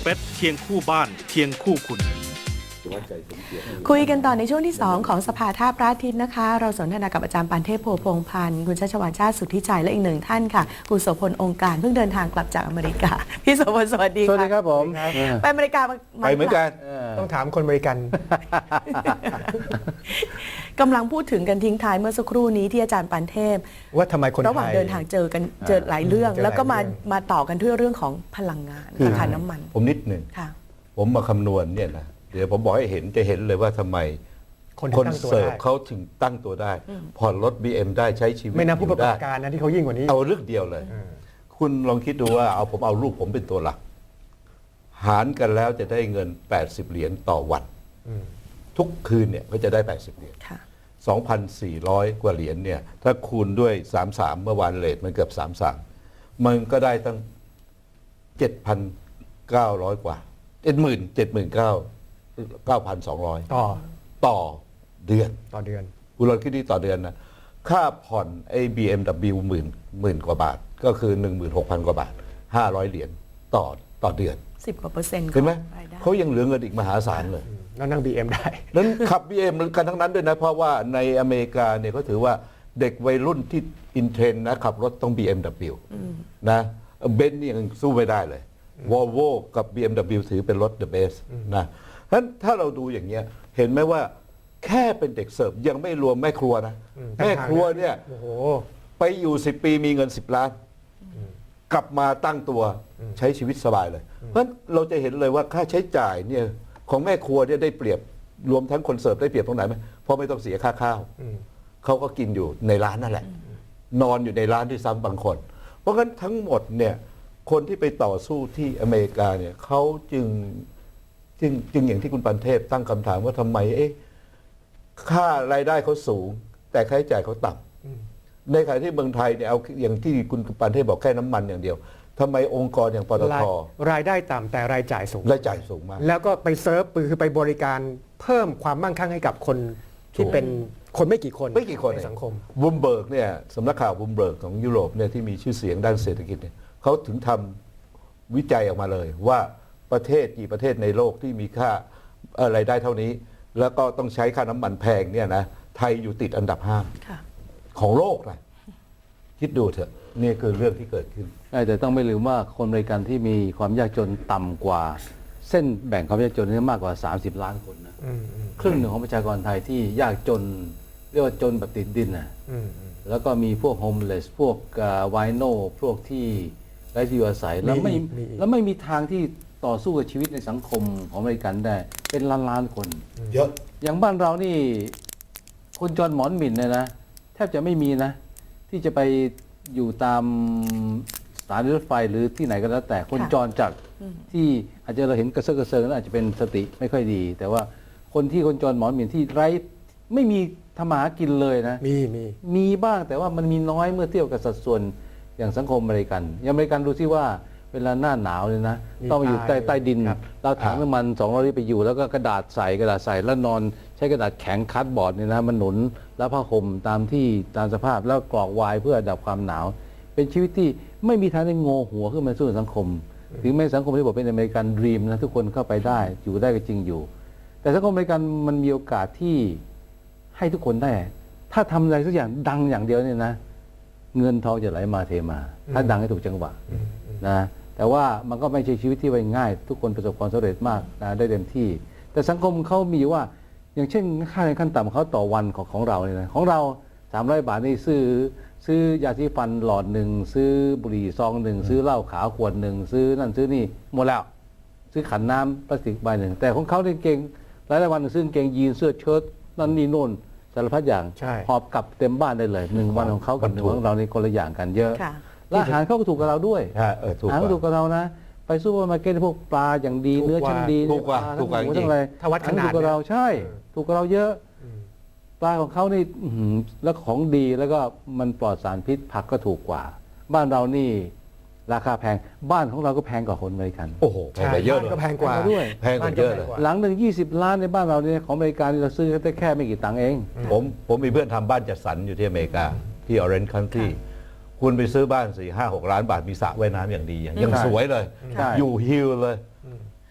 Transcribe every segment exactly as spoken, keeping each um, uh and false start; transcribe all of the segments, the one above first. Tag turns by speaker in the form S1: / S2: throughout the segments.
S1: เปซเคียงคู่บ้านเคียงคู่คุณ
S2: คุยกันต่อในช่วงที่สองของสภาท่าพระอาทิตย์นะคะ เราสนทนากับอาจารย์ปานเทพโพพงษ์พันธ์คุณชัชวาลชาติสุทธิชัยและอีกหนึ่งท่านค่ะคุณโสพลองค์การเพิ่งเดินทางกลับจากอเมริกาพี่โสพลสวัสดีค่ะ
S3: สวัสดีครับผม
S2: ไปอเมริกามา
S4: ไปเหมือนกัน
S3: ต้องถามคนอเมริกัน
S2: กำลังพูดถึงกันทิ้งท้ายเมื่อสักครู่นี้ที่อาจารย์ปานเทพ
S3: ว่าทำไมคนไทย
S2: ระหว่างเดินทางเจอกันเจอหลายเรื่อง
S3: เจอหลาย
S2: แล้วก็มา
S3: เรื่อง
S2: มาต่อกันด้วยเรื่องของพลังงาน
S4: คือ
S2: ราคาน้ำมัน
S4: ผมนิดหนึ่ง
S2: ค่ะ
S4: ผมมาคำนวณเนี่ยนะเดี๋ยวผมบอกให้เห็นจะเห็นเลยว่าทำไม
S3: คน
S4: คน
S3: ที่ตั้งตัว
S4: เสิร์ฟ
S3: ได้
S4: เขาถึงตั้งตัวได้ ผ่อนรถ บี เอ็ม ได้ใช้ชีวิต
S3: ไม่นับผู้ประกอบ
S4: ได้
S3: การนะที่เขายิ่งกว่านี้
S4: เอาเรื่องเดียวเลย
S3: อืม
S4: คุณลองคิดดูว่าเอาผมเอาลูกผมเป็นตัวหลัก หารกันแล้วจะได้เงิน แปดสิบ เหรียญต่อวัน
S3: อืม
S4: ทุกคืนเนี่ยก็จะได้ แปดสิบ เหรียญ
S2: ค่ะ
S4: สองพันสี่ร้อย กว่าเหรียญเนี่ยถ้าคูณด้วย สามสิบสาม เมื่อวานเรทมันเกือบ สามสิบสาม มันก็ได้ตั้ง เจ็ดพันเก้าร้อย กว่า เจ็ดหมื่น เจ็ดหมื่นเก้า เก้าพันสองร้อย
S3: ต่อ
S4: ต่อเดือน
S3: ต่อเดือน
S4: คุณลองคิดดีต่อเดือนนะค่าผ่อนไอ้ บี เอ็ม ดับเบิลยู หมื่นหมื่นกว่าบาท ก็คือ หนึ่งหมื่นหกพัน กว่าบาท ห้าร้อย เหรียญต่อต่อเดือน
S2: สิบกว่าเปอร์เซ็นต์
S4: เห็นไหม
S2: ของรายได้
S4: เขายังเหลือเงินอีกมหาศาลเลย
S3: แล้วนั่ง บี เอ็ม ได้
S4: นั้นขับ บี เอ็ม กันทั้งนั้นด้วยนะ เพราะว่าในอเมริกาเนี่ยเขาถือว่าเด็กวัยรุ่นที่อินเทรนด์นะขับรถต้อง บี เอ็ม ดับเบิลยู นะเบนซ์นี่ยังสู้ไม่ได้เลยวอลโวกับ บี เอ็ม ดับเบิลยู ถือเป็นรถ the best นะฉะนั้นถ้าเราดูอย่างเงี้ยเห็นไหมว่าแค่เป็นเด็กเสิร์ฟยังไม่รวมแม่ครัวนะ
S3: อืม
S4: แม่ครัวเนี่ย
S3: โอ้โห
S4: ไปอยู่สิบปีมีเงินสิบล้าน กลับมาตั้งตัวใช้ชีวิตสบายเลย เพราะฉะนั้นเราจะเห็นเลยว่าค่าใช้จ่ายเนี่ยของแม่ครัวเนี่ยได้เปรียบรวมทั้งคนเสิร์ฟได้เปรียบตรงไหนไหมเพราะไม่ต้องเสียค่าข้าว
S3: อืม
S4: เขาก็กินอยู่ในร้านนั่นแหละ นอนอยู่ในร้านที่ซ้ำบางคน เพราะงั้นทั้งหมดเนี่ยคนที่ไปต่อสู้ที่อเมริกาเนี่ยเขาจึงจึงจึงอย่างที่คุณปันเทพตั้งคำถามว่าทำไมเอ๊ะค่ารายได้เขาสูง แต่ค่าใช้จ่ายเขาต่ำในขณะที่เมืองไทยเนี่ยเอาอย่างที่คุณปันเทพบอกแค่น้ำมันอย่างเดียวทำไมองค์กรอย่างปต
S3: ราย
S4: ท
S3: รายได้ต่ำแต่รายจ่ายสูง
S4: รายจ่ายสูงมาก
S3: แล้วก็ไปเซิร์ฟคือไปบริการเพิ่มความมั่งคั่งให้กับคนที่
S4: ถูก
S3: เป็นคนไม่กี่คน
S4: ไม่กี่คน
S3: ในสังคม
S4: บูมเบิร์กเนี่ยสำนักข่าวบูมเบิร์กของยุโรปเนี่ยที่มีชื่อเสียงด้านเศรษฐกิจเนี่ยเขาถึงทำวิจัยออกมาเลย ว่าประเทศกี่ประเทศในโลกที่มีค่าเอ่อรายได้เท่านี้ แล้วก็ต้องใช้ค่าน้ำมันแพงเนี่ยนะไทยอยู่ติดอันดับห้า
S2: ค่ะ
S4: ของโลกนะคิดดูเถอะนี่คือเรื่องที่เกิดขึ้น
S5: ใช่แต่ต้องไม่ลืมว่าคนอเมริกันที่มีความยากจนต่ำกว่า เส้นแบ่งความยากจนนี่มากกว่า สามสิบ ล้านคนนะ
S3: อืมอืม
S5: ครึ่งหนึ่งของประชากรไทยที่ยากจนเรียกว่าจนแบบติดดินนะ
S3: อืมอืม
S5: แล้วก็มีพวกโฮมเลสพวกไวโนพวกที่ไร้ที่อยู่อาศัยแล้วไม่
S3: มีอีกมีอีก
S5: แล้วไม่มีทางที่ต่อสู้กับชีวิตในสังคมของอเมริกันได้เป็นล้านล้านๆคน
S4: เยอะ
S5: อย่างบ้านเรานี่คนจรหมอนหมิ่นเนี่ยนะแทบจะไม่มีนะ ที่จะไปอยู่ตามสถานีรถไฟหรือที่ไหนก็แล้วแต่คน
S2: ค่ะ
S5: จรจากที่อาจจะเราเห็นกระเซาะกระเซิงแล้วอาจจะเป็นสติไม่ค่อยดี แต่ว่าคนที่คนจรหมอนหมิ่นที่ไร้ไม่มีทำมาหากินเลยนะ
S3: มีมี
S5: มีบ้างแต่ว่ามันมีน้อยเมื่อเทียบกับสัดส่วนอย่างสังคมอเมริกันอย่างอเมริกันดูที่ว่าเวลาหน้าหนาวเลยนะ
S3: มี
S5: ต้องมาอยู่ใต้
S3: ตาย
S5: ใต้ดิน
S3: ครับ
S5: เราถังน้ำมันสองร้อยลิตรไปอยู่แล้วก็กระดาษใส่กระดาษใส่แล้วนอนใช้กระดาษแข็งคัดบอร์ดเนี่ยนะมันหนุนแล้วผ้าห่มตามที่ตามสภาพแล้วกรอกวายเพื่อดับความหนาว เป็นชีวิตที่ไม่มีทางได้โงหัวขึ้นมาสู้สังคม ถึงแม้สังคมที่บอกเป็นอเมริกันดรีมนะทุกคนเข้าไปได้อยู่ได้ก็จริงอยู่ แต่สังคมอเมริกันมันมีโอกาสที่ให้ทุกคนได้ ถ้าทำอะไรสักอย่างดังอย่างเดียวเนี่ยนะ เงินทองจะไหลมาเทมา ถ้าดังให้ถูกจังหวะนะแต่ว่ามันก็ไม่ใช่ชีวิตที่ไว้ง่าย ทุกคนประสบความสำเร็จมากนะได้เต็มที่ แต่สังคมเขามีว่า อย่างเช่นค่าแรงขั้นต่ำของเขาต่อวันของของเราเนี่ยนะของเราสามร้อยบาทนี่ซื้อซื้อยาสีฟันหลอดหนึ่งซื้อบุหรี่ซองหนึ่งซื้อเหล้าขาวขวดหนึ่งซื้อนั่นซื้อนี่หมดแล้ว ซื้อขันน้ำพลาสติกใบหนึ่งแต่ของเขาเนี่ยเก่งหลายๆวันซื้อกางเกงยีนเสื้อเชิ้ตนั่นนี่โน่นสารพัดอย่าง
S3: ใช่
S5: หอบกลับเต็มบ้านได้เลยหนึ่งวันของเขากับหนึ่งวันของเรานี่คนละอย่างกันเยอะ
S2: ค่ะ
S5: และอาหารเขาก็ถูกกับเราด้วย
S4: ฮะเออถูก
S5: อาหาร
S4: ก
S5: ก็
S4: ว่า
S5: ถูกกับเรานะ ไปซูเปอร์มาร์เก็ตพวกปลาอย่างดี
S3: ถูกกว่า
S5: เนื้อชั้นดี
S4: ถูกกว่า
S5: ปล
S4: ถูกกว่า
S5: ทั้งหมู
S4: จริง
S5: ทั้งอะไร
S3: ถ้าวัดขนาด
S5: ถูกกับเรา
S3: เนี่ย
S5: ใช่ ถูกกับเราเยอะ ปลาของเขานี่อื้อหือแล้วของดีแล้วก็มันปลอดสารพิษผักก็ถูกกว่า บ้านเรานี่ราคาแพงบ้านของเราก็แพงกว่าคนอเมริกัน
S4: โอ้โหแพงไปเยอะเลย
S3: ก็แพงกว่า
S5: แพงกว่าด้วย
S4: แพงกว่าเยอะเลย
S5: หลังหนึ่งยี่สิบล้านในบ้านเราเนี่ยของอเมริกันเราซื้อได้แค่ไม่กี่ตังค์เอง
S4: ผมผมมีเพื่อนทำบ้านจัดสรรอยู่ที่อเมริกา ที่ Orange County คุณไปซื้อบ้านสี่ห้าหกล้านบาทมีสระว่ายน้ำอย่างดีอย่างยัง
S5: ใช่
S4: สวยเลย
S5: ใช่
S4: อยู่ฮิลเลย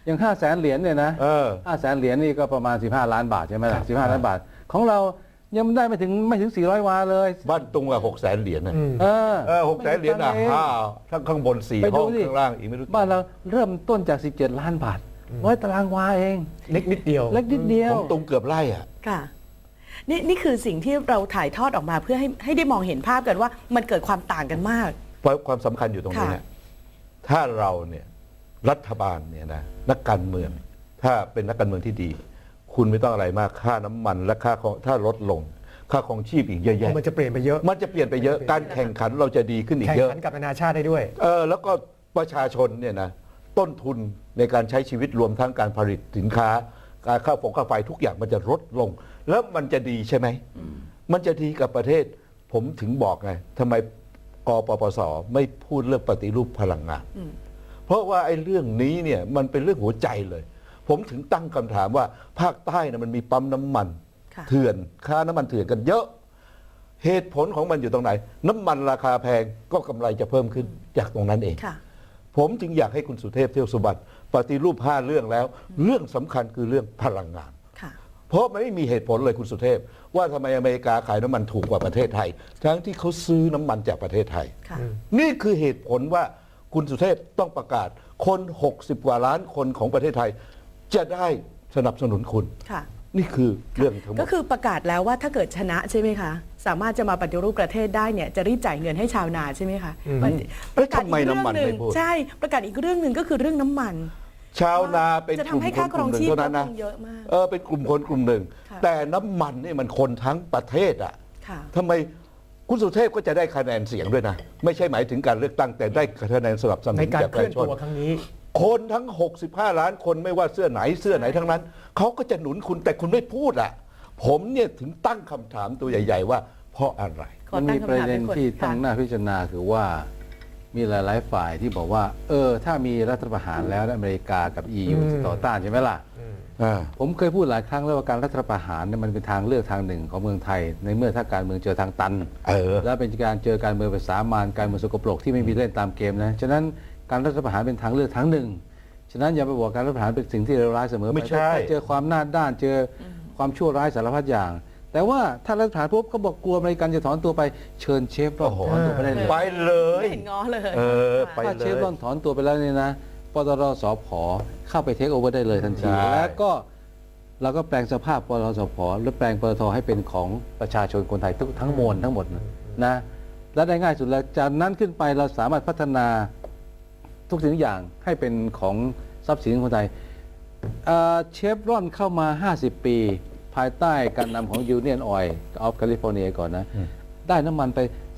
S5: อย่างห้าแสนเหรียญเนี่ยนะ
S4: เออ
S5: ห้าแสนเหรียญนี่ก็ประมาณสิบห้าล้านบาทใช่ไหมล่ะสิบห้าล้านบาทของเรายังได้ไม่ถึงไม่ถึงสี่ร้อยวาเลย
S4: บ้านตุงอะหกแสนเหรียญนะ
S3: อืม
S5: เออ
S4: เออหกแสนเหรียญอ่ะ
S5: ไม่ถึงตังค์เอง
S4: ห้าทั้งข้างบนสี่
S5: ไป
S4: ห้
S5: ดู
S4: อง
S5: สิ
S4: ข้างล่างอีกไม่รู้
S5: บ้านเราเริ่มต้นจากสิบเจ็ดล้านบาทร้อยตารางวาเอง
S3: เล็กนิดเดียว
S5: เล็กนิดเดียว
S4: ของตุงเกือบไร่อ่ะ
S2: ค่ะนี่นี่คือสิ่งที่เราถ่ายทอดออกมาเพื่อให้ให้ได้มองเห็นภาพกันว่ามันเกิดความต่างกันมาก
S4: เพราะความสำคัญอยู่ตรงนี้
S2: ค่ะ
S4: เนี่ยถ้าเราเนี่ยรัฐบาลเนี่ยนะนักการเมือง ถ้าเป็นนักการเมืองที่ดี คุณไม่ต้องอะไรมากค่าน้ำมันและค่าของถ้าลดลง ค่าของชีพอีกเยอะแยะ
S3: มันจะเปลี่ยนไปเยอะ
S4: มันจะเปลี่ยนไปเยอะการแข่งขันเราจะดีขึ้นอีก
S3: แข่ง
S4: เยอะ
S3: ขันกับนานาชาติได้ด้วย
S4: เออแล้วก็ประชาชนเนี่ยนะต้นทุนในการใช้ชีวิตรวมทั้งการผลิตสินค้า การค่าฝงค่าไฟทุกอย่างมันจะลดลง แล้วมันจะดีใช่ไหมมันจะดีกับประเทศ ผมถึงบอกไงทำไมกปปสไม่พูดเรื่องปฏิรูปพลังงาน เพราะว่าไอ้เรื่องนี้เนี่ยมันเป็นเรื่องหัวใจเลย ผมถึงตั้งคำถามว่าภาคใต้นะมันมีปั๊มน้ำมัน
S2: ค่ะ
S4: เถื่อนค่าน้ำมันเถื่อนกันเยอะ เหตุผลของมันอยู่ตรงไหน น้ำมันราคาแพงก็กำไรจะเพิ่มขึ้นจากตรงนั้นเอง
S2: ค่ะ
S4: ผมจึงอยากให้คุณสุเทพเที่ยวสุบัติปฏิรูปห้าเรื่องแล้ว เรื่องสำคัญคือเรื่องพลังงาน
S2: ค่ะ
S4: เพราะมันไม่มีเหตุผลเลยคุณสุเทพ ว่าทำไมอเมริกาขายน้ำมันถูกกว่าประเทศไทย ทั้งที่เขาซื้อน้ำมันจากประเทศไทย
S2: ค่ะ
S4: นี่คือเหตุผลว่าคุณสุเทพต้องประกาศคนหกสิบกว่าล้านคนของประเทศไทย จะได้สนับสนุนคุณ
S2: ค่ะ
S4: นี่คือเรื่องทั้งหม
S2: ก็
S4: ด
S2: คือประกาศแล้วว่าถ้าเกิดชนะใช่ไหมคะ สามารถจะมาปฏิรูปประเทศได้เนี่ยจะรีบจ่ายเงินให้ชาวนาใช่ไหมคะ
S3: อืม
S2: มันประกาศอีก
S4: แล้วทำไม
S2: เรื่อง
S4: น้ำมัน
S2: หนึ่
S4: ไม่
S2: ง
S4: พูด
S2: ใช่ประกาศอีกเรื่องหนึ่งก็คือเรื่องน้ำมัน
S4: ชาวนาเป็น
S2: จะ
S4: กลุ่ม
S2: ทำให้
S4: ค
S2: ค่าน ค
S4: ก
S2: รอ
S4: ลุ่
S2: ง
S4: มหนึ่ง
S2: ชีพ
S4: เท่านั้น
S2: ล
S4: นะ
S2: ดลงเยอะมาก
S4: เออเป็นกลุ่มคนกลุ่มหนึ่ง
S2: ค่ะ
S4: แต่น้ำมันนี่มันคนทั้งประเทศอ่ะ
S2: ค่ะ
S4: ทำไมคุณสุเทพก็จะได้คะแนนเสียงด้วยนะ ไม่ใช่หมายถึงการเลือกตั้งแต่ได้คะแนนสนับสนุ
S3: ใน
S4: น
S3: การ
S4: จาก
S3: เค
S4: ประ
S3: ลื่อน
S4: ชาชน
S3: ตัวครั้งนี้
S4: คนทั้ง หกสิบห้า ล้านคนไม่ว่าเสื้อไหนเสื้อไหนทั้งนั้น เขาก็จะหนุนคุณแต่คุณไม่พูดอ่ะ ผมเนี่ยถึงตั้งคำถามตัวใหญ่ ๆ ว่าเพราะอะไร
S2: ขอ
S5: มัน
S2: ตั้
S5: มี
S2: ง
S5: ประ
S2: คำถาม
S5: เด็น
S2: ให้คน
S5: ที่
S2: ค่ะ
S5: ต้องน่าพิจารณาคือว่ามีหลาย ๆ ฝ่ายที่บอกว่า เออ ถ้ามีรัฐประหารแล้วอเมริกากับ อี ยู
S3: อืม
S5: ต่อต้านใช่ไหมล่ะ
S4: อ่า
S5: ผมเคยพูดหลายครั้งแล้วว่าการรัฐประหารเนี่ยมันเป็นทางเลือกทางหนึ่งของเมืองไทย ในเมื่อถ้าการเมืองเจอทางตัน
S4: เออ
S5: และเป็นการเจอการเมืองเป็นสามานการเมืองสกปรกที่ไม่มีเล่นตามเกมนะฉะนั้นการรัฐประหารเป็นทางเลือกทางหนึ่งฉะนั้นอย่าไปบอกการรัฐประหารเป็นสิ่งที่เลวร้ายเสมอไป
S4: ไม่ใช่
S5: ถ้าเจอความหน้าด้านเจอความชั่วร้ายสารพัดอย่าง แต่ว่าถ้ารัฐประหารปุ๊บก็บอกกลัวอเมริกันจะถอนตัวไปเชิญเชฟรอนถอนตัวไปได้เลย
S4: ไปเลย
S2: ไม่เห็นง้อเลย
S4: เออไป
S5: ถ้าเชฟรอนถอนตัวไปแล้วเนี่ยนะปตรสผเข้าไปเทคโอเวอร์ได้เลยทันที
S4: ใช่
S5: แล้วก็เราก็แปลงสภาพปตรสผหรือแปลงปตทให้เป็นของประชาชนคนไทยทุกทั้งมวลทั้งหมดนะนะและได้ง่ายสุดแล้วจากนั้นขึ้นไปเราสามารถพัฒนาทุกสิ่งทุกอย่างให้เป็นของทรัพย์สินของคนไทยเอ่อเชฟรอนเข้ามา ห้าสิบ ปี ภายใต้การนำของ Union Oil of California ก่อนนะ ได้น้ำมันไป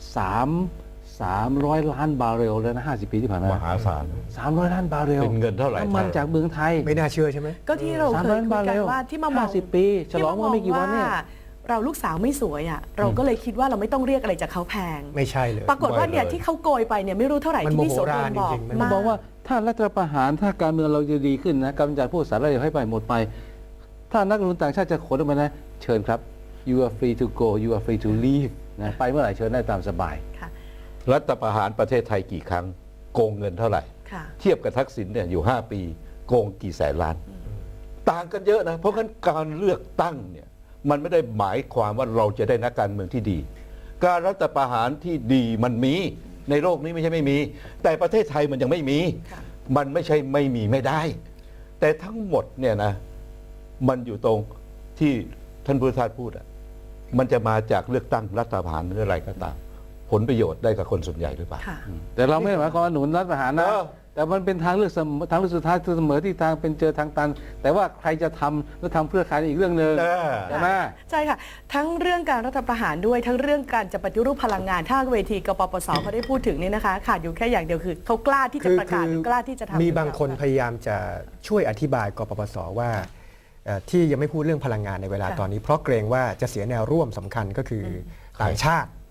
S5: 3 300 ล้านบาร์เรลแล้วนะ ห้าสิบ ปีที่ผ่านมาม
S4: หาศาล
S5: 300 ล้านบาร์เรล
S4: เป็นเงินเท่าไหร่
S5: น้ำมันจากเมืองไทย
S3: ไม่น่าเชื่อใช่ไหม
S2: ก็ที่เราเคยคุยกันว่าที่มามอง
S5: ห้าสิบปีฉลองเมื่อไม่กี่วันเนี่ย
S2: ที่าเราลูกสาวไม่สวยอ่ะเราก็เลยคิดว่าเราไม่ต้องเรียกอะไรจากเขาแพง
S3: ไม่ใช่เลย
S2: ปรากฏว่าเนี่ย
S4: ไม่เลย
S2: ที่เขาโกยไปเนี่ยไม่รู้เท่าไหร่
S3: มัน
S2: ที่พี่โส
S3: โมโห
S2: พ
S3: รา
S2: ล
S3: ณ
S2: บอก
S3: จริงๆมัน
S5: ผมบอกว่าถ้ารัฐประหารถ้าการเมืองเราจะดีขึ้นนะกำจัดพวกสารเลวให้ไปหมดไป ถ้านักลงทุนต่างชาติจะขนออกมานะเชิญครับ you are free to go you are free to leave นะไปเมื่อไหร่เชิญได้ตามสบาย
S2: ค่ะ
S4: รัฐประหารประเทศไทยกี่ครั้ง โกงเงินเท่าไหร่
S2: ค่ะ
S4: เทียบกับทักษิณเนี่ยอยู่ ห้า ปี โกงกี่แสนล้าน ต่างกันเยอะนะ เพราะงั้นการเลือกตั้งเนี่ยมันไม่ได้หมายความว่าเราจะได้นักการเมืองที่ดี การรัฐประหารที่ดีมันมีในโลกนี้ไม่ใช่ไม่มี แต่ประเทศไทยมันยังไม่มี
S2: ค่ะ
S4: มันไม่ใช่ไม่มีไม่ได้ แต่ทั้งหมดเนี่ยนะมันอยู่ตรงที่ท่านพุทธทาสพูดอะมันจะมาจากเลือกตั้งรัฐประหารหรืออะไรก็ตาม ผลประโยชน์ได้กับคนส่วนใหญ่หรือเปล่า
S2: ค่ะ
S5: แต่เราไม่ได้หมายความว่าหนุนรัฐประหารนะ
S4: เออ
S5: แต่มันเป็นทางเลือกเสมอทางเลือกสุดท้ายเสมอที่ทางเป็นเจอทางตัน แต่ว่าใครจะทำแล้วทำเพื่อใครอีกเรื่องหนึ่ง
S4: เออ
S5: ใช่ไหม
S2: ใช่ค่ะ ทั้งเรื่องการรัฐประหารด้วยทั้งเรื่องการจะปฏิรูปพลังงานถ้าเวทีกปปสเขาได้พูดถึงเนี่ยนะคะขาดอยู่แค่อย่างเดียวคือเขากล้าที่จะประกาศกล้าที่จะทำ
S3: มีบางคนพยายามจะช่วยอธิบายกปปสว่าเอ่อที่ยังไม่พูดเรื่องพลังงานในเวลา
S2: ค่ะ
S3: ตอนนี้ เพราะเกรงว่าจะเสียแนวร่วมสำคัญก็คือต่างชาติ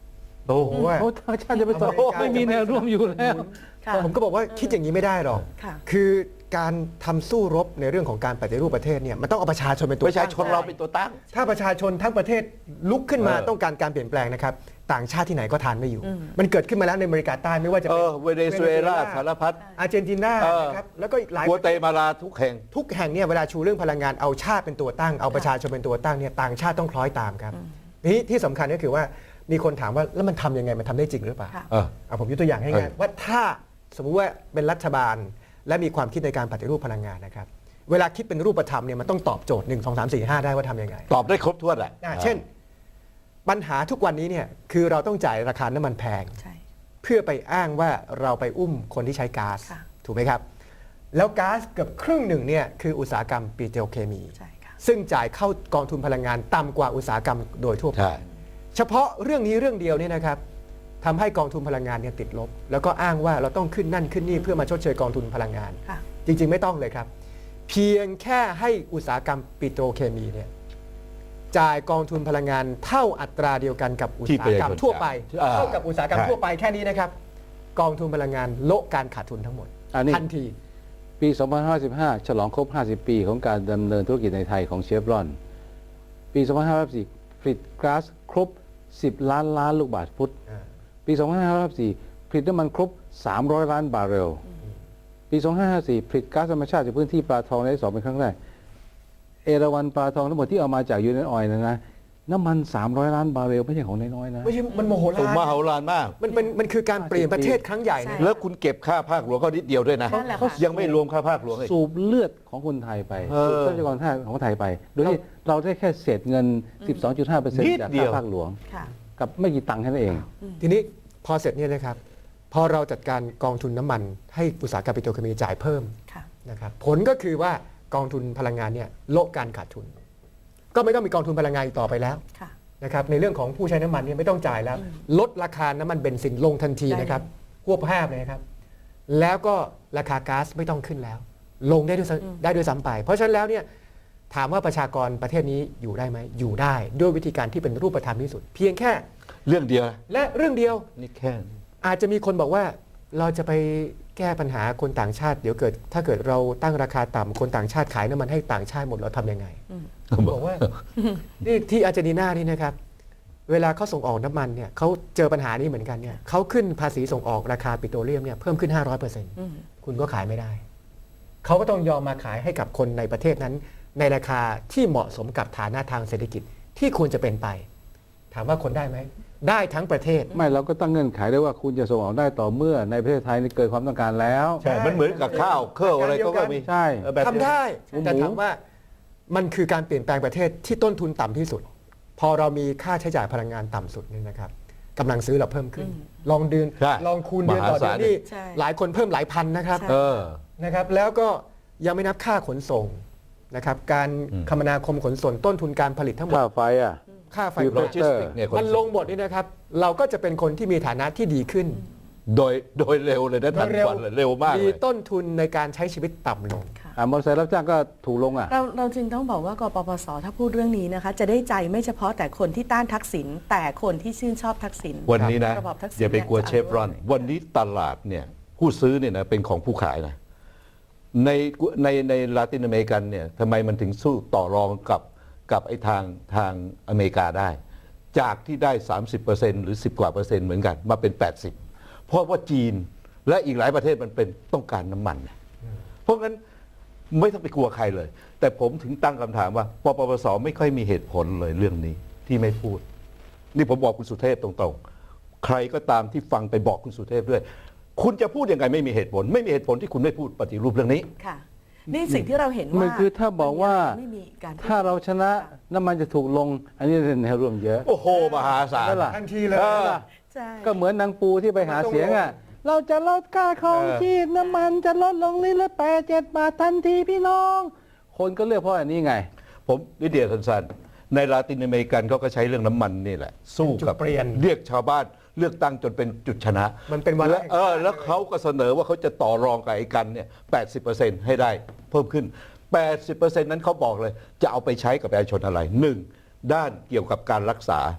S4: โอ้โห
S3: เพราะว่า
S5: โอ้ต่างชาติจะไปต่อ
S3: อเมริกา
S5: ไม่มีแนวร่วมอยู่แล้ว
S2: ค่ะ
S3: ผมก็บอกว่าคิดอย่างนี้ไม่ได้หรอก
S2: ค่ะ
S3: คือการทำสู้รบในเรื่องของการปฏิรูปประเทศเนี่ยมันต้องเอาประชาชนเป็นตัว
S4: ประชาชน
S3: ตั้ง
S4: เราเป็นตัวตั้ง
S3: ถ้าประชาชนทั้งประเทศลุกขึ้นมา
S4: เออ
S3: ต้องการการเปลี่ยนแปลงนะครับต่างชาติที่ไหนก็ทานไม่อยู่ มันเกิดขึ้นมาแล้วในอเมริกาใต้ไม่ว่าจะ
S4: เอ
S3: เป็น
S4: อเวเนซุเอลาสารพัด
S3: อาร์เจนตินา
S4: เออ
S3: นะครับแล้วก็อีกหลาย
S4: กัวเตมาลาทุกแห่ง
S3: ทุกแห่งเนี่ยเวลาชูเรื่องพลังงานเอาชาติเป็นตัวตั้งเอาประชาชนเป็นตัวตั้งเนี่ยต่างชาติต้องคล้อยตามครับนี่ที่สำคัญก็คือว่ามีคนถามว่าแล้วมันทำยังไงมันทำได้จริงหรือเปล่า
S2: ค่ะ
S4: เออ
S3: เอาผมยกตัวอย่างให้ง่าย
S4: เออ
S3: ว่าถ้าสมมุติว่าเป็นรัฐบาลและมีความคิดในการปฏิรูปพลังงานนะครับเวลาคิดเป็นรูปธรรมเนี่ยมันต้องตอบโจทย์หนึ่งสองสามสี่ห้าได้ว่าทำยังไง
S4: ตอบได้ครบถ้วนแหละ
S3: อ่าเช่น ปัญหาทุกวันนี้เนี่ยคือเราต้องจ่ายราคาน้ำมันแพง
S2: ใช่
S3: เพื่อไปอ้างว่าเราไปอุ้มคนที่ใช้ก๊าซ
S2: ค่ะ
S3: ถูกไหมครับ แล้วก๊าซเกือบครึ่งหนึ่งเนี่ยคืออุตสาหกรรมปิโตรเคมี
S2: ใช่ค่ะ
S3: ซึ่งจ่ายเข้ากองทุนพลังงานต่ำกว่าอุตสาหกรรมโดยทั่วไป
S4: ใช่
S3: เฉพาะเรื่องนี้เรื่องเดียวเนี่ยนะครับทำให้กองทุนพลังงานเนี่ยติดลบ แล้วก็อ้างว่าเราต้องขึ้นนั่นขึ้นนี่เพื่อมาชดเชยกองทุนพลังงาน
S2: ค่ะ
S3: จริง ๆ ไม่ต้องเลยครับ เพียงแค่ให้อุตสาหกรรมปิโตรเคมีเนี่ยจ่ายกองทุนพลังงานเท่าอัตราเดียวกันกับอุตสาหกรรมทั่วไป
S4: อ่า
S3: เท่ากับอุตสาหกรรม
S4: ใช่
S3: ทั่วไปแค่นี้นะครับ กองทุนพลังงานโละการขาดทุนทั้งหมด
S5: อันนี้
S3: ทันที
S5: ปี สองพันห้าร้อยสิบห้า ฉลองครบ ห้าสิบ ปีของการดำเนินธุรกิจในไทยของเชฟรอน ปี สองพันห้าร้อยสิบสี่ ผลิตก๊าซครบ สิบ ล้านล้านลูกบาศก์ฟุต ปี สองพันห้าร้อยสิบสี่ ผลิตน้ำมันครบ สามร้อย ล้านบาร์เรล ปี สองพันห้าร้อยห้าสิบสี่ ผลิตก๊าซธรรมชาติจากพื้นที่ปลาทองในที่สองเป็นครั้งแรก เอราวัณปลาทองทั้งหมดที่เอามาจากยูเนนออยล์นะนะน้ำมัน สามร้อย ล้านบาร์เรลไม่ใช่ของน้อยๆนะ
S3: ไม่ใช่มันโมโห
S4: สูง
S3: ลาน
S4: มหาศาลมาก
S3: มันเป็นมันคือการเปลี่ยนประเทศครั้งใหญ่นะ
S2: ใช่
S4: แล้วคุณเก็บค่าภาคหลวงก็นิดเดียวด้วยนะ
S2: นั่นแหละค่ะ
S4: ยังไม่รวมค่าภาคหลวงอีก
S5: สูบเลือดของคนไทยไป
S4: เออ
S5: สูบทรัพยากรธาตุของไทยไป โดยที่เราได้แค่เศษเงิน สิบสองจุดห้าเปอร์เซ็นต์
S4: นิด
S5: จาก
S4: เดียว
S5: ค่าภาคหลวง
S2: ค่ะ
S5: กับไม่กี่ตังค์แค่นั้นเอง
S3: ทีนี้พอเสร็จเนี่ยนะครับ พอเราจัดการกองทุนน้ำมันให้อุตสาหกรรมปิโตรเคมีจ่ายเพิ่ม
S2: ค่ะ
S3: นะครับผลก็คือว่ากองทุนพลังงานเนี่ยโละการขาดทุน ก็ไม่ต้องมีกองทุนพลังงานอีกต่อไปแล้ว
S2: ค่ะ
S3: นะครับในเรื่องของผู้ใช้น้ำมันเนี่ยไม่ต้องจ่ายแล้ว ลดราคาน้ำมันเบนซินลงทันที
S2: ได้
S3: นะครับควบแพบเลยนะครับ แล้วก็ราคาก๊าซไม่ต้องขึ้นแล้ว ลงได้ด้วยซ้ำได้ด้วยซ้ำไป เพราะฉะนั้นแล้วเนี่ยถามว่าประชากรประเทศนี้อยู่ได้ไหมอยู่ได้ด้วยวิธีการที่เป็นรูปธรรมที่สุด เพียงแค่
S4: เรื่องเดียวนะ
S3: และเรื่องเดียว
S4: นี่แค่นี้
S3: อาจจะมีคนบอกว่าเราจะไปแก้ปัญหาคนต่างชาติเดี๋ยวเกิด ถ้าเกิดเราตั้งราคาต่ำคนต่างชาติขายน้ำมันให้ต่างชาติหมดเราทำยังไงผมบอกว่า นี่ที่อาร์เจนตินานี่นะครับ เวลาเขาส่งออกน้ำมันเนี่ยเขาเจอปัญหานี้เหมือนกันเนี่ยเขาขึ้นภาษีส่งออกราคาปิโตรเลียมเนี่ยเพิ่มขึ้น ห้าร้อยเปอร์เซ็นต์
S2: อืม
S3: คุณก็ขายไม่ได้ เขาก็ต้องยอมมาขายให้กับคนในประเทศนั้น ในราคาที่เหมาะสมกับฐานะทางเศรษฐกิจที่ควรจะเป็นไป ถามว่าคนได้ไหม ได้ทั้งประเทศ
S5: ไม่เราก็ตั้งเงื่อนไขได้ว่าคุณจะส่งออกได้ต่อเมื่อในประเทศไทยนี่เกิดความต้องการแล้ว
S4: ใช่ มันเหมือนกับข้าวเครื่องอะไรก็ก็มี
S5: ใช่
S4: เออแบบ
S3: ทำได้
S5: หมู
S3: แต่ถามว่ามันคือการเปลี่ยนแปลงประเทศที่ต้นทุนต่ำที่สุด พอเรามีค่าใช้จ่ายพลังงานต่ำสุดนี่นะครับกำลังซื้อเราเพิ่มขึ้น ลองเดือน
S4: ใช่
S3: ลองคูณเดือนต่อ
S4: มหา
S3: เดื
S4: ศา
S3: อ
S4: ล
S3: นนี่
S2: ใช่
S3: หลายคนเพิ่มหลายพันนะครับ
S2: ใช่
S4: เออ
S3: นะครับ แล้วก็ยังไม่นับค่าขนส่งนะครับ การ
S4: อืม
S3: คมนาคมขนส่งต้นทุนการผลิตทั้งหมด
S5: ค่าไฟอ่ะ
S3: ค่าไฟ
S5: คือ
S4: โลจิสติกเนี่ยคน
S3: มันลงหมดนี่นะครับ เราก็จะเป็นคนที่มีฐานะที่ดีขึ้น
S4: โดยโดยเร็วเลยนะทัน
S3: เร็ว
S4: ควันเลยเร็วมาก
S3: มี
S4: เลย
S3: ต้นทุนในการใช้ชีวิตต่ำลง
S2: ค่ะ
S5: อ่ามอเตอร์ไซค์รับจ้างก็ถูกลงอ่ะ
S2: เราเราจึงต้องบอกว่ากปปสถ้าพูดเรื่องนี้นะคะ จะได้ใจไม่เฉพาะแต่คนที่ต้านทักษิณแต่คนที่ชื่นชอบทักษิณ
S4: วันนี้นะ
S2: ระบอบทักษิณ
S4: อย่าไปกลัว
S2: เนี่ยจะ
S4: เชฟรอน วันนี้ตลาดเนี่ยผู้ซื้อเนี่ยนะเป็นของผู้ขายนะในในในลาตินอเมริกันเนี่ยทำไมมันถึงสู้ต่อรองกับกับไอ้ทางทางอเมริกาได้ จากที่ได้ สามสิบเปอร์เซ็นต์ หรือ สิบ กว่าเปอร์เซ็นต์เหมือนกันมาเป็น แปดสิบ เพราะว่าจีนและอีกหลายประเทศมันเป็นต้องการน้ำมันนะเพราะงั้นไม่ต้องไปกลัวใครเลย แต่ผมถึงตั้งคำถามว่าปปปสไม่ค่อยมีเหตุผลเลยเรื่องนี้ที่ไม่พูด นี่ผมบอกคุณสุเทพตรงๆ ใครก็ตามที่ฟังไปบอกคุณสุเทพด้วย คุณจะพูดยังไงไม่มีเหตุผล ไม่มีเหตุผลที่คุณไม่พูดปฏิรูปเรื่องนี้
S2: ค่ะ นี่สิ่งที่เราเห็นว่า
S5: มันคือถ้าบอกว่า
S2: ไม่มีการพูด
S5: ถ้าเราชนะน้ำมันจะถูกลง อันนี้เป็นแนวร่วมเยอะ
S4: โอ้โห มหาศาล
S5: นั่นล่ะ
S3: ทันทีเลย
S4: เออ
S2: ใช่
S5: ก็เหมือนนางปูที่ไปหาเสียงอ่ะ เราจะลดค่าครอง
S4: เออ
S5: ชีพน้ำมันจะลดลงลิตรละแปดเจ็ดบาททันทีพี่น้อง คนก็เลือกเพราะอันนี้ไง
S4: ผมนิดเดียวสั้นๆในลาตินอเมริกันเขาก็ใช้เรื่องน้ำมันนี่แหละ สู้กับ
S3: จุดเปลี่ยน
S4: เรียกชาวบ้านเลือกตั้งจนเป็นจุดชนะ
S3: มันเป็นวาระ
S4: แล้วเออแล้วเขาก็เสนอว่าเขาจะต่อรองกับไอ้กันเนี่ย แปดสิบเปอร์เซ็นต์ ให้ได้เพิ่มขึ้น แปดสิบเปอร์เซ็นต์ นั้นเขาบอกเลย จะเอาไปใช้กับประชาชนอะไรหนึ่งด้านเกี่ยวกับการรักษา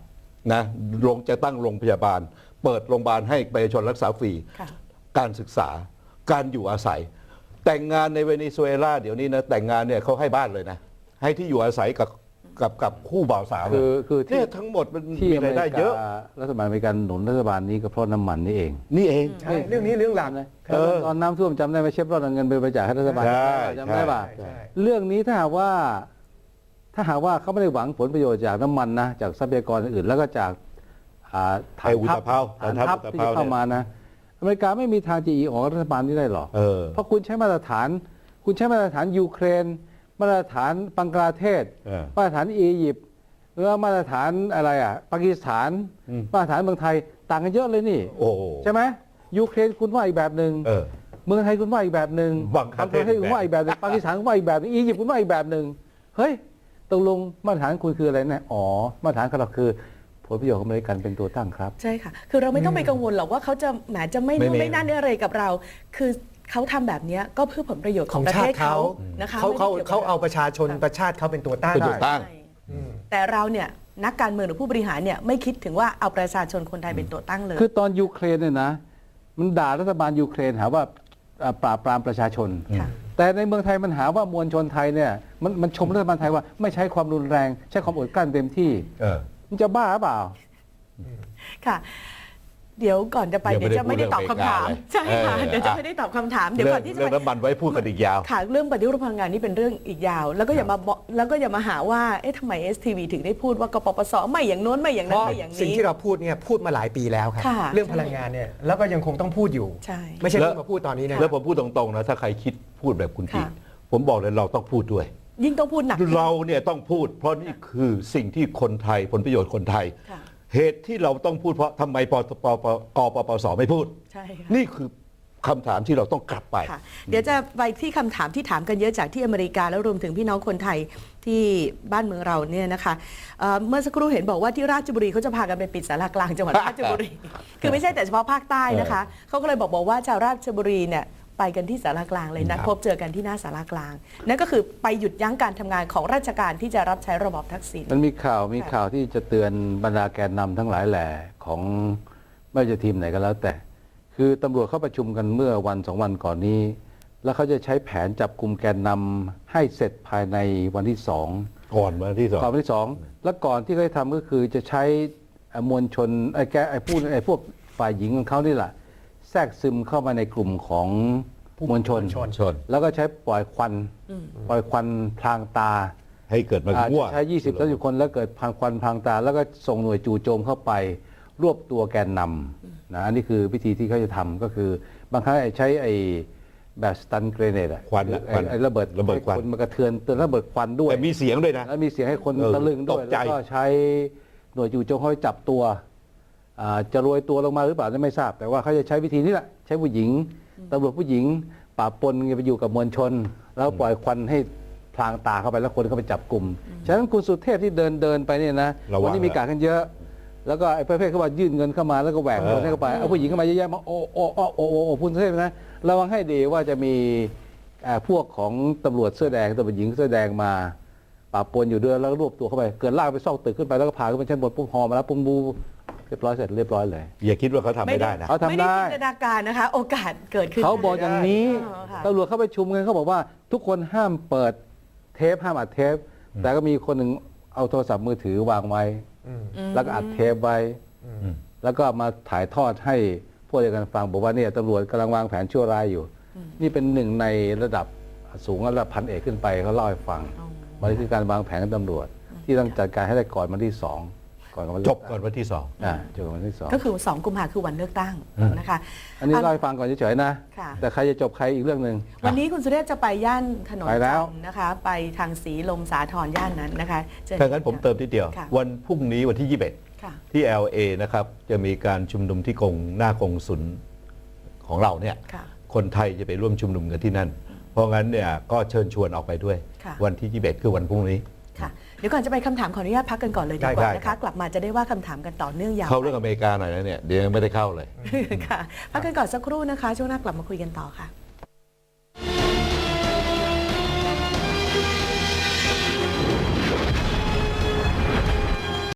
S4: นะลงจะตั้งโรงพยาบาล เปิดโรงพยาบาลให้ประชาชนรักษาฟรี
S2: ค่ะ
S4: การศึกษาการอยู่อาศัย แต่งงานในเวเนซุเอลาเดี๋ยวนี้นะแต่งงานเนี่ยเขาให้บ้านเลยนะให้ที่อยู่อาศัยกับกับกับคู่บ่าวสาว
S5: คือคือที่
S4: เนี่ยทั้งหมดมัน
S5: ที่
S4: มี
S5: อเม
S4: ราย
S5: ริ
S4: ได้เยอะ
S5: การัฐบาลอเมริกันหนุนรัฐบาลนี้ก็เพราะน้ำมันนี่เอง
S4: นี่เอง
S3: ใช่เรื่องนี้เรื่องหลัก
S5: นะ
S4: เออ
S5: ตอนน้ำท่วมจำได้ไหมเชฟรอดเอาเงินไปบริจาคให้รัฐบาล
S4: ใช่
S5: จำได้ป่ะ
S3: ใช่ใช่
S5: เรื่องนี้ถ้าหากว่าถ้าหากว่าเขาไม่ได้หวังผลประโยชน์จากน้ำมันนะจากทรัพยากรอื่นๆแล้วก็จากอ่าฐาน
S4: ไอ้อุ
S5: ทั
S4: ต
S5: พ
S4: ภาว
S5: ฐาน
S4: ฐานทั
S5: ทั
S4: พ
S5: พ
S4: อุต
S5: ที่
S4: ภาว
S5: จะเข้ามานะอเมริกาไม่มีทางจะอีออกรัฐบาลนี้ได้หรอก
S4: เออ
S5: เพราะคุณใช้มาตรฐาน คุณใช้มาตรฐานยูเครน มาตรฐานบังกลาเทศ
S4: เออ
S5: มาตรฐานอียิปต์แล้วมาตรฐานอะไรอ่ะปากีสถาน
S4: อืม
S5: มาตรฐานเมืองไทยต่างกันเยอะเลยนี่
S4: โอ้โห
S5: ใช่ไหมยูเครนคุณว่าอีกแบบหนึ่ง
S4: เออ
S5: เมืองไทยคุณว่าอีกแบบหนึ่ง
S4: บังกลาเทศ
S5: บังกลาเทศคุณว่าอีกแบบหนึ่งปากีสถานคุณว่าอีกแบบหนึ่งอียิปต์คุณว่าอีกแบบหนึ่งเฮ้ยตกลงมาตรฐานคุณคืออะไรนะอ๋อมาตรฐานของเราคือผลประโยชน์ของอเมริกันเป็นตัวตั้งครับ
S2: ใช่ค่ะ คือเราไม่ต้องไปกังวลหรอกว่าเขาจะแหมจะไม่
S4: ไม่
S2: นู่น
S4: ไม่
S2: ไม่นั่นอะไรกับเรา คือเขาทำแบบเนี้ยก็เพื่อผลประโยชน์ข
S3: ข
S2: อ
S3: อง ง
S2: ประ
S3: ชา
S2: เทศ
S3: ติ
S2: เขา
S3: เขา
S2: นะคะ
S3: เขาเขา
S2: ไม่ได้กี่ยวกับ
S3: เขาเอาประชาชนประชาติเขาเป็นตัวตั้ง
S4: เป็นตัวตั้ง
S2: ใช่แต่เราเนี่ยนักการเมืองหรือผู้บริหารเนี่ยไม่คิดถึงว่าเอาประชาชนคนไทยเป็นตัวตั้งเลย
S5: คือตอนยูเครนเนี่ยนะมันด่ารัฐบาลยูเครนหาว่าอ่าปราบปรามประชาชน
S2: ค่ะ
S5: แต่ในเมืองไทยมันหาว่ามวลชนไทยเนี่ยมันมันชมรัฐบาลไทยว่าไม่ใช้ความรุนแรง ใช้ความอดกลั้นเต็มที่
S4: เออ
S5: มันจะบ้าหรือเปล่า
S2: ค่ะ เดี๋ยวก่อนจะไป
S4: ยังไม่
S2: เดี๋ยวจะไม่ได้
S4: ได้
S2: ตอบคำถาม
S4: พูดเรื่อง
S2: ใช่ค่ะ
S4: อเมริกาเลย
S2: เดี๋ยวจะไม่ได้ตอบคำถามเดี๋ยว
S4: เรื่
S2: ก่อนที่จะ
S4: เรื่อง
S2: ไป
S4: น้ำมันไว้พูดกันอีกยาว
S2: ค่ะเรื่องปฏิรูปพลังงานนี่เป็นเรื่องอีกยาว แล้วก็อย่ามาบอกแล้วก็อย่ามาหาว่าเอ๊ะทำไม เอส ที วี ถึงได้พูดว่ากปปสไม่อย่างโน้นไม่อย่าง
S3: เพ
S2: นั้น
S3: ราะ
S2: ไม่อย่าง
S3: สิ่ง
S2: นี้
S3: ที่เราพูดเนี่ยพูดมาหลายปีแล้วครับ
S2: ค่ะ
S3: เรื่องพลังงานเนี่ยแล้วก็ยังคงต้องพูดอยู่
S2: ใช่
S3: ไม่ใช่
S4: แล้ว
S3: เพิ่งมาพูดตอนนี้นะ
S4: แล้วผมพูดตรงๆนะถ้าใครคิดพูดแบบคุณจี
S2: ค่ะ
S4: ผมบอกเลยเราต้องพูดด้วย
S2: ยิ่งต้องพูดหนัก
S4: เราเนี่ยต้องพูด เพราะนี่คือสิ่งที่คนไทยผลประโยชน์คนไทย
S2: ค่ะ
S4: เหตุที่เราต้องพูดเพราะทำไมปปปปกปปสไม่พูด
S2: ใช่ค่ะ
S4: นี่คือคำถามที่เราต้องกลับไป
S2: ค่ะเดี๋ยวจะไปที่คำถามที่ถามกันเยอะจากที่อเมริกาแล้วรวมถึงพี่น้องคนไทยที่บ้านเมืองเราเนี่ยนะคะเอ่อเมื่อสักครู่เห็นบอกว่าที่ราชบุรีเขาจะพากันไปปิดศาลากลางจังหวัดราชบุรี คือไม่ใช่แต่เฉพาะภาคใต้นะคะเขาก็เลยบอกบอกว่าชาวราชบุรีเนี่ยไปกันที่ศาลากลางเลยนัด
S4: ครับ
S2: พบเจอกันที่หน้าศาลากลาง นั่นก็คือไปหยุดยั้งการทำงานของราชการที่จะรับใช้ระบอบทักษิณ
S5: มันมีข่าวมี
S2: ค่ะ
S5: ข่าวที่จะเตือนบรรดาแกนนำทั้งหลายแหล่ของไม่ว่าจะทีมไหนก็แล้วแต่ คือตำรวจเข้าประชุมกันเมื่อวันสองวันก่อนนี้ แล้วเขาจะใช้แผนจับกลุ่มแกนนำให้เสร็จภายในวันที่สอง
S4: ก่อนวันที่สอง
S5: ก่อนวันที่สองแล้วก่อนที่เขาจะทำก็คือจะใช้เอ่อมวลชนไอ้แกไอ้ผู้ไอ้พวกฝ่ายหญิงของเขานี่แหละแทรกซึมเข้ามาในกลุ่มของมวลชน
S3: มวลชน
S4: ชน
S5: แล้วก็ใช้ปล่อยควันปล่อยควันพลางตา
S4: ให้เกิดมา
S5: อาจ
S4: มั่ว
S5: จะใช้ยี่สิบ สามสิบคนแล้วเกิดพังควันพังตา แล้วก็ส่งหน่วยจู่โจมเข้าไป รวบตัวแกนนำนะอันนี้คือวิธีที่เขาจะทำก็คือบางครั้งไอ้ใช้ไอ้แบบสตันเกรเนตอะ
S4: ควัน
S5: หรือ
S4: ควัน
S5: ไอ้ระเบิด
S4: ระเบิดควัน
S5: ให้นมากระเทือนเตือนระเบิดควันด้วย
S4: แต่มีเสียงด้วยนะ
S5: แล้วมีเสียงให้คน
S4: เออ
S5: ตะลึงด้วย
S4: ตกใจ
S5: แล้วก็ใช้หน่วยจู่โจมเขาไปจับตัวอ่าจะโรยตัวลงมาหรือเปล่าไม่ทราบ แต่ว่าเขาจะใช้วิธีนี้แหละใช้ผู้หญิงตำรวจผู้หญิงปราบปนไปอยู่กับมวลชน แล้วปล่อยควันให้พลางตาเข้าไปแล้วคนเข้าไปจับกลุ่มฉะนั้นคุณสุเทพที่เดินเดินไปเนี่ยนะ
S4: ระวัง
S5: วันนี้มีการกันเยอะ แล้วก็ไอ้ประเภทเขาว่ายื่นเงินเข้ามาแล้วก็แหวก
S4: เออ
S5: คนให้เข้าไปเอาผู้หญิงเข้ามาเยอะแยะมาโอ้โอ้โอ้โอ้โอ้โอ้คุณสุเทพนะระวังให้ดีว่าจะมีเอ่อพวกของตำรวจเสื้อแดงตำรวจหญิงเสื้อแดงมาปราบปนอยู่ด้วยแล้วก็รวบตัวเข้าไปเกิดลากไปซอกตึกขึ้นไปแล้วก็พาขึ้นไปชั้นบนปุ๊บหอมาแล้วปุ๊บบูเรียบร้อยเสร็จเรียบร้อยเลย
S4: อย่าคิดว่าเขาทำไม่ได้นะ
S5: เขาทำ
S2: ไม่ได้
S5: ได้
S2: จินตนาการนะคะ โอกาสเกิดขึ้น
S5: เขาบอกอย่างนี้
S2: อ๋อค่ะ
S5: ตำรวจเข้าไปชุมกันเขาบอกว่าทุกคนห้ามเปิดเทปห้ามอัดเทป แต่ก็มีคนหนึ่งเอาโทรศัพท์มือถือวางไว้
S3: อืม
S5: แล้วก็อัดเทปไว้
S3: อืม
S5: แล้วก็มาถ่ายทอดให้พวกเดียวกันฟังบอกว่าเนี่ยตำรวจกำลังวางแผนชั่วร้ายอยู่ นี่เป็นหนึ่งในระดับสูงระดับพันเอกขึ้นไปเขาเล่าให้ฟังมันคือการวางแผนของตำรวจ ที่ต้องจัดการให้ได้ก่อนวันที่สองก่อนวัน
S4: จบก่อนวันที่สอง
S5: อ่าจบก่อนวันที่สอง
S2: ก็คือสองกุมภาคือวันเลือกตั้งนะคะ
S5: อันนี้เล่าให้ฟังก่อนเฉยๆนะ
S2: ค่ะ
S5: แต่ใครจะจบใครอีกเรื่องหนึ่ง
S2: วันนี้คุณสุเทพจะไปย่านถนน
S5: ไปแล้ว
S2: จันทร์นะคะ ไปทางสีลมสาทรย่านนั้นนะคะเชิญ
S4: ถ้างั้นผมเติมทีเดียว
S2: ค่ะ
S4: วันพรุ่งนี้วันที่ยี่สิบเอ็ด
S2: ค่ะ
S4: ที่ แอล เอ นะครับจะมีการชุมนุมที่กงหน้ากงสุลของเราเนี่ย
S2: ค่ะ
S4: คนไทยจะไปร่วมชุมนุมกันที่นั่น เพราะงั้นเนี่ยก็เชิญชวนออกไปด้วย
S2: ค่ะ
S4: วันที่ยี่สิบเอ็ดคือวันพรุ่งนี้
S2: ค่ะเดี๋ยวก่อนจะไปคำถามขออนุญาตพักกันก่อนเลยดีก
S4: ได้
S2: ว่า
S4: ได้
S2: นะ
S4: ครั
S2: คะ
S4: บ
S2: กลับมาจะได้ว่าคำถามกันต่อเนื่องยาว
S4: เข้าเรื่องอเมริกาหน่อยนะเนี่ยเดี๋ยวยังไม่ได้เข้าเลย
S2: ค่ะพักกันก่อนสักครู่นะคะช่วงหน้ากลับมาคุยกันต่อค่ะ